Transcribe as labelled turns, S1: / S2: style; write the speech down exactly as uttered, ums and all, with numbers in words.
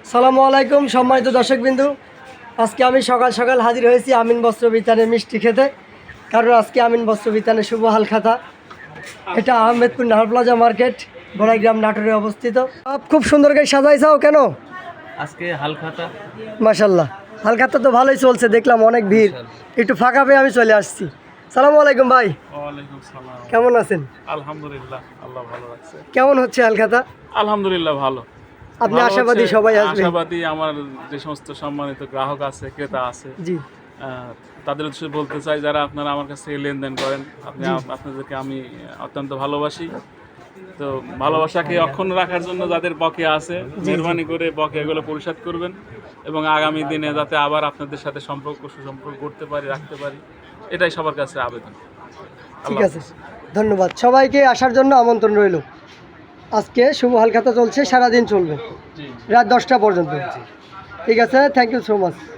S1: সালামু আলাইকুম সম্মানিত দর্শকবিন্দু, আজকে আমি সকাল সকাল হাজির হয়েছি আমিন বস্ত্র বিতানে মিষ্টি খেতে। কারণ আজকে আমিন বস্ত্র বিতানে শুভ হালখাতা। এটা আহমেদপুর নাহার প্লাজা মার্কেট, বড়াইগ্রাম, নাটোরে অবস্থিত। আপ খুব সুন্দর করে সাজাইছাও কেন
S2: আজকে হালখাতা?
S1: মাশাল্লাহ, হালখাতা তো ভালোই চলছে, দেখলাম অনেক ভিড়। একটু ফাঁকা পেয়ে আমি চলে আসছি। সালামু আলাইকুম ভাই।
S2: ওয়ালাইকুম সালাম।
S1: কেমন আছেন?
S2: আলহামদুলিল্লাহ, আল্লাহ ভালো রাখছে।
S1: কেমন হচ্ছে হালখাতা?
S2: আলহামদুলিল্লাহ ভালো।
S1: আপনি
S2: ভালো
S1: আশাবাদী
S2: হচ্ছে,
S1: সবাই আসবে?
S2: আশাবাদী। আমার যে সমস্ত সম্মানিত গ্রাহক আছে, ক্রেতা আছে,
S1: জি,
S2: আহ, তাদের উদ্দেশ্যে বলতে চাই, যারা আপনারা আমার কাছ থেকে লেনদেন করেন, আপনি আপনাদেরকে আমি অত্যন্ত ভালোবাসি। তো ভালোবাসাকে অক্ষুণ্ণ রাখার জন্য যাদের বকেয়া আছে, মেহরবানি করে বকেয়াগুলো পরিশোধ করবেন এবং আগামী দিনে যাতে আবার আপনাদের সাথে সম্পর্ক সুসম্পর্ক করতে পারি, রাখতে পারি, এটাই সবার কাছে আবেদন।
S1: ঠিক আছে, ধন্যবাদ। সবাইকে আসার জন্য আমন্ত্রণ রইল। আজকে শুভ হালখাতা চলছে, সারাদিন চলবে, রাত দশটা পর্যন্ত। ঠিক আছে, থ্যাংক ইউ সো মাচ।